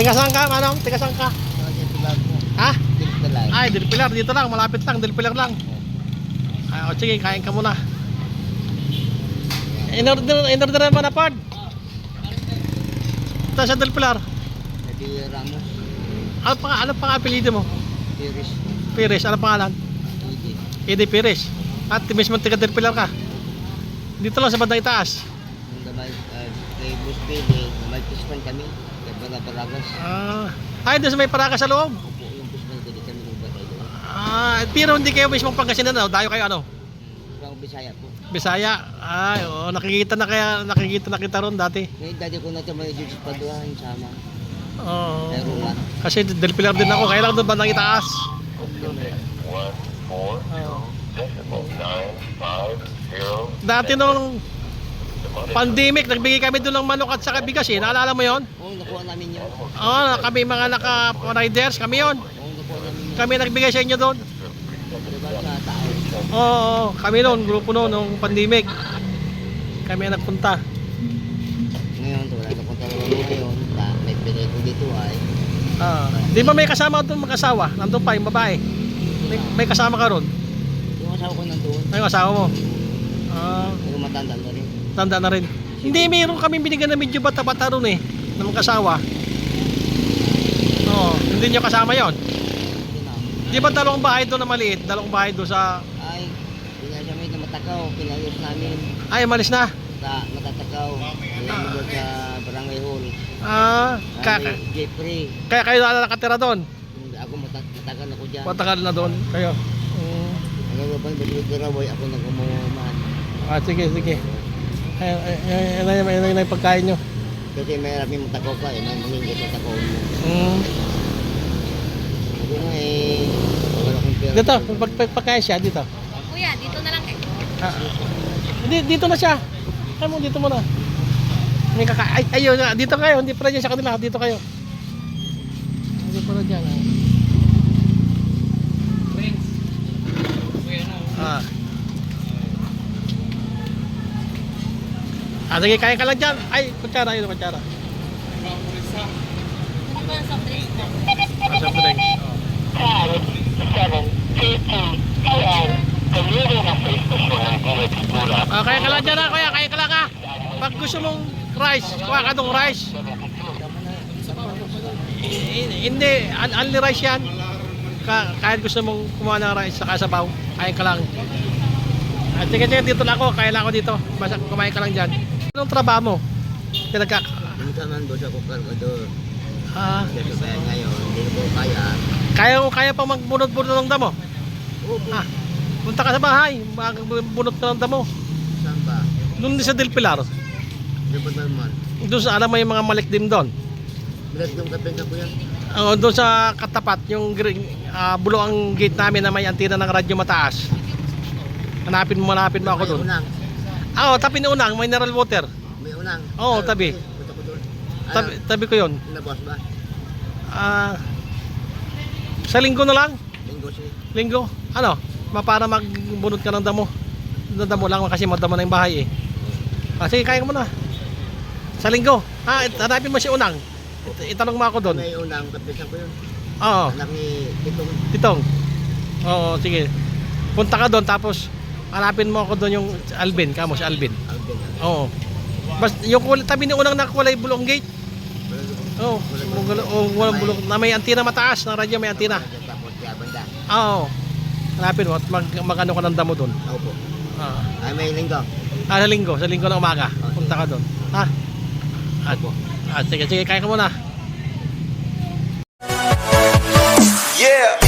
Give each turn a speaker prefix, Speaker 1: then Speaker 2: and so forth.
Speaker 1: Tiga saan ka, manong? Tiga saan ka? Ha?
Speaker 2: Dilpilar.
Speaker 1: Ay, Del Pilar, dito lang, malapit lang, Del Pilar lang. Ay, o sige, kain ka muna. In-order mo na, Pard? Ito sa Del Pilar.
Speaker 2: Eddie Ramos.
Speaker 1: Ano pang apelido mo?
Speaker 2: Iris.
Speaker 1: Pires, ano pangalan?
Speaker 2: Eddie.
Speaker 1: Eddie Pires. At mismo taga Del Pilar ka. Dito lang sa bandang itaas.
Speaker 2: Yung damay, kay Boss Billy, may pispan kami. Kay Baragas.
Speaker 1: Ay, doon sa may Paraga sa loob.
Speaker 2: Opo, yung pispan ko di kami nagbatay doon.
Speaker 1: Pero hindi kayo mismo Pangasinan, no? Dayo kayo ano?
Speaker 2: Parang Bisaya po.
Speaker 1: Bisaya. Ay, oo, nakikita na kita ron dati.
Speaker 2: Ngayon dati ko na ito may Diyos Paduan sama.
Speaker 1: Oo.
Speaker 2: Kay Roland.
Speaker 1: Kasi Del Pilar din ako, kaya lang doon bandang itaas. Dati nung pandemic, nagbigay kami doon ng manok at saka bigas eh. Naalala mo yon?
Speaker 2: Oo, nakuha namin yun.
Speaker 1: Oo, kami mga naka-riders, kami yon.
Speaker 2: Oo, nakuha namin yun.
Speaker 1: Kami nagbigay sa inyo doon.
Speaker 2: Diba sa tao?
Speaker 1: Oo, kami noon, grupo noon, nung pandemic. Kami ang nagpunta.
Speaker 2: Ngayon, wala na kong talaga ngayon. May pinay ko dito ay.
Speaker 1: Di ba may kasama doon mag-asawa? Nandun pa yung babae. May kasama ka ron?
Speaker 2: Yung asawa ko nandun.
Speaker 1: Ay, yung asawa mo?
Speaker 2: Pero matanda na rin.
Speaker 1: Tanda na rin. Hindi, mayroon kami binigyan na medyo bata-bata ron eh. Na mag-asawa. Oo, hindi nyo kasama yon.
Speaker 2: Hindi na.
Speaker 1: Di ba dalawang bahay doon na maliit? Dalawang bahay doon sa...
Speaker 2: Ay, pinasamit na matakaw. Pinayos namin.
Speaker 1: Ay, malis na.
Speaker 2: Matatakaw. Alam mo doon sa Barangay Hall. Jeffrey.
Speaker 1: Kaya kayo na nakatira doon?
Speaker 2: Ako matagal ako dyan.
Speaker 1: Matagal na doon kayo.
Speaker 2: Ang ba bang Daraboy, ako nag-umuman.
Speaker 1: Sige. Ayun na yung pagkain nyo.
Speaker 2: Kasi may rapin matakaw ka eh. May mangingit na takaw mo. Ako na eh. Wala akong pera.
Speaker 1: Dito, pagkain siya, dito.
Speaker 3: Kuya, dito na lang eh.
Speaker 1: Dito na siya. Kaya mo, dito muna. May ayun, dito kayo. Hindi pala dyan sa kanila. Dito kayo. Hindi pala dyan. Sige, kaya ka lang dyan. Ay, kutsara, yun, kutsara.
Speaker 3: Ano ba ang soft drinks mo?
Speaker 1: Soft drinks. Kaya ka lang dyan ha, kuya. Kaya ka lang ha. Pag gusto mong rice, kuha ka dong rice. Hindi, only rice yan. Kahit gusto mong kumuha ng rice sa kasabaw, kaya ka lang. At sige, dito lang ako. Kaya lang ako dito. Basta kumain ka lang dyan. Anong trabaho mo?
Speaker 2: Minsan man doon ako kargador. Kasi kaya ngayon, hindi ko kaya.
Speaker 1: Kaya pang magbunot-bunot ng damo?
Speaker 2: Opo.
Speaker 1: Punta ka sa bahay, magbunot ka ng damo.
Speaker 2: Saan ba?
Speaker 1: Doon sa Del Pilar.
Speaker 2: Di ba naman?
Speaker 1: Doon sa alam mo yung mga malikdim doon.
Speaker 2: Bilat yung kapensa ko yan.
Speaker 1: Doon sa katapat, yung bulo ang gate namin na may antina ng radyo mataas. Hanapin mo ako doon.
Speaker 2: May unang.
Speaker 1: Tabi ni unang, mineral water.
Speaker 2: May unang.
Speaker 1: Oo, tabi.
Speaker 2: Punta ko doon.
Speaker 1: Tabi ko yun.
Speaker 2: Nabos ba?
Speaker 1: Sa linggo na lang.
Speaker 2: Linggo siya.
Speaker 1: Linggo. Para magbunot ka ng damo. Damo lang kasi madamo na yung bahay eh. Sige, kaya mo na. Sa linggo. Hanapin mo si unang. Itanong mo ako doon.
Speaker 2: May unang kapensa ko yun.
Speaker 1: Oo.
Speaker 2: Anak ni
Speaker 1: Titong. Oo, sige. Punta ka doon tapos hanapin mo ako doon yung Alvin. Kamo si Alvin. Oo. Yung tabi ni unang nakulay bulong gate. Oo. Walang bulong. Na may antina mataas. Na radyo may antina. Oo. Hanapin mo at mag-ano ka ng damo doon.
Speaker 2: Opo. Ay may linggo.
Speaker 1: Sa linggo ng umaga. Punta ka doon. Sige, kaya ka muna.
Speaker 4: Yeah.